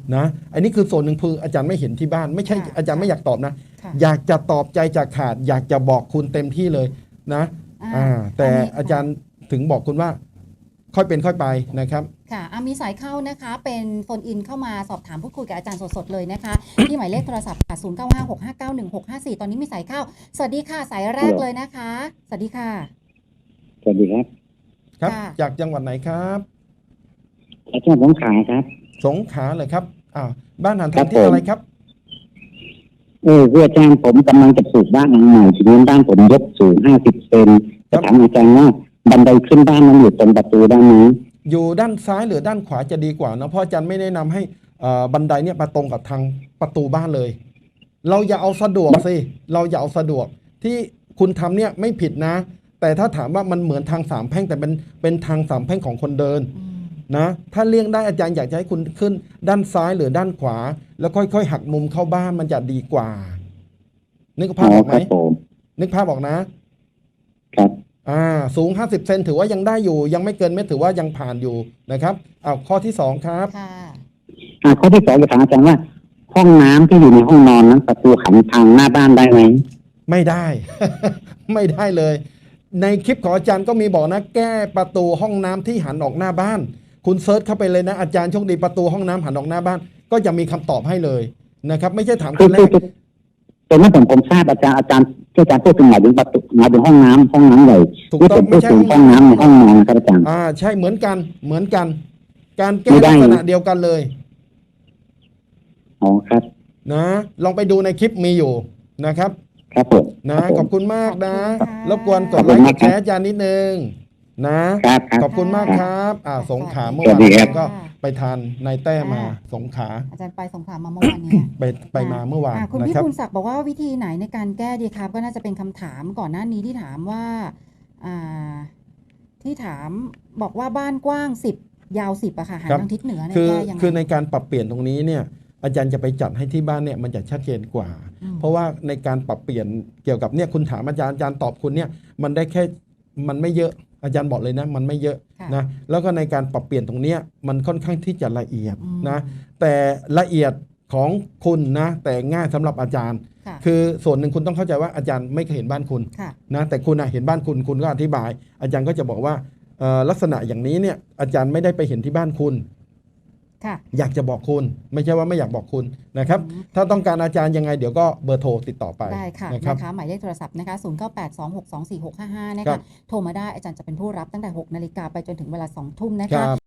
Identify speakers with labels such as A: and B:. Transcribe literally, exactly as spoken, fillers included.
A: นะอันนี้คือส่วนหนึ่งคืออาจารย์ไม่เห็นที่บ้านไม่ใช่อาจารย์ไม่อยากตอบนะอยากจะตอบใจจากขาดอยากจะบอกคุณเต็มที่เลยนะอ่าแต่อาจารย์ถึงบอกคุณว่าค่อยเป็นค่อยไปนะครับ
B: ค่ะมีสายเข้านะคะเป็นโฟนอินเข้ามาสอบถามพูดคุยกับอาจารย์สดๆเลยนะคะที่หมายเลขโทรศัพท์ค่ะศูนย์ เก้า ห้า หก ห้า เก้า หนึ่ง หก ห้า สี่ตอนนี้มีสายเข้าสวัสดีค่ะสายแรกเลยนะคะสวัสดีค่ะ
C: สวัสดีครับ
A: ครับจากจังหวัดไหนครับ
C: อาจารย์สงขลาครับ
A: สงขลาเลยครับอ้าวบ้านหันทางที่อะไรครับ
C: เอออาจารย์ผมกำลังจะปลูกบ้านหลังใหม่ทีนี้บ้านผมยกสูงห้าสิบเซนจะถามอาจารย์ว่าบันไดขึ้นบ้านมันอยู่ตรงประตูด้านนี้
A: อยู่ด้านซ้ายหรือด้านขวาจะดีกว่านะเพราะอาจารย์ไม่แนะนำให้บันไดเนี่ยมาตรงกับทางประตูบ้านเลยเราอย่าเอาสะดวกสิเราอย่าเอาสะดวกที่คุณทำเนี่ยไม่ผิดนะแต่ถ้าถามว่ามันเหมือนทางสามแพร่งแต่เป็นเป็นทางสามแพร่งของคนเดินนะถ้าเลี่ยงได้อาจารย์อยากจะให้คุณขึ้นด้านซ้ายหรือด้านขวาแล้วค่อยๆหักมุมเข้าบ้านมันจะดีกว่านึกภาพออกไหมนึกภาพออกนะครับอ่าสูงห้าสิบเซนถือว่ายังได้อยู่ยังไม่เกินเมตรถือว่ายังผ่านอยู่นะครับเอาข้อที่สองครับ
B: ค่ะ
C: อ่าข้อที่สองจะถามอาจารย์ว่าห้องน้ำที่อยู่ในห้องนอนนั้นประตูหันทางหน้าบ้านได้ไหม
A: ไม่ได้ ไม่ได้เลยในคลิปของอาจารย์ก็มีบอกนะแก้ประตูห้องน้ำที่หันออกหน้าบ้านคุณเซิร์ชเข้าไปเลยนะอาจารย์โชคดีประตูห้องน้ำหันออกหน้าบ้านก็จะมีคำตอบให้เลยนะครับไม่ใช่ถามคนแรก
C: แต่เมื่อผมผมทราบอาจารย์อาจารย์ที่อาจารย์พูดถึงหมายถึงประตูหมายถึงห้องน้ำห้องน้ำใหญ่
A: ถูกต้อง
C: ไม่ใช่ห้องน้ำในห้องนอนครับอาจารย์
A: อ่าใช่เหมือนกันเหมือนกันการแก้ลักษณะเดียวกันเลย
C: อ๋อครับ
A: นะลองไปดูในคลิปมีอยู่นะครับ
C: ครับผม
A: นะขอบคุณมากนะรบกวนกดไลค์กดแชร์อาจารย์นิดนึงนะขอบคุณมากครับอ่าสงขลาเมื่อวานก็ไปทานนายแต้มาสงขลา
B: อาจารย์ไปสงขลามาเมื่อวานนี้
A: ไปไปมาเมื่อวาน
B: คุณพี่ภูลศักดิ์บอกว่าวิธีไหนในการแก้ดีครับก็น่าจะเป็นคำถามก่อนหน้านี้ที่ถามว่าอ่าที่ถามบอกว่าบ้านกว้างสิบยาวสิบอะค่ะหันทางทิศเหนือเนี่ย
A: คือคือในการปรับเปลี่ยนตรงนี้เนี่ยอาจารย์จะไปจัดให้ที่บ้านเนี่ยมันจะชัดเจนกว่าเพราะว่าในการปรับเปลี่ยนเกี่ยวกับเนี่ยคุณถามอาจารย์อาจารย์ตอบคุณเนี่ยมันได้แค่มันไม่เยอะอาจารย์บอกเลยนะมันไม่เยอะนะแล้วก็ในการปรับเปลี่ยนตรงนี้มันค่อนข้างที่จะละเอียดนะแต่ละเอียดของคุณนะแต่ง่ายสำหรับอาจารย์คือส่วนหนึ่งคุณต้องเข้าใจว่าอาจารย์ไม่เคยเห็นบ้านคุณนะแต่คุณเห็นบ้านคุณคุณก็อธิบายอาจารย์ก็จะบอกว่าลักษณะอย่างนี้เนี่ยอาจารย์ไม่ได้ไปเห็นที่บ้านคุณอยากจะบอกคุณไม่ใช่ว่าไม่อยากบอกคุณนะครับถ้าต้องการอาจารย์ยังไงเดี๋ยวก็เบอร์โทรติดต่อไป
B: ได้ค่ะนะคะหมายเลขโทรศัพท์นะคะศูนย์ เก้า แปด สอง หก สอง สี่ หก ห้า ห้านะคะโทรมาได้อาจารย์จะเป็นผู้รับตั้งแต่หกนาฬิกาไปจนถึงเวลาสองทุ่มนะคะ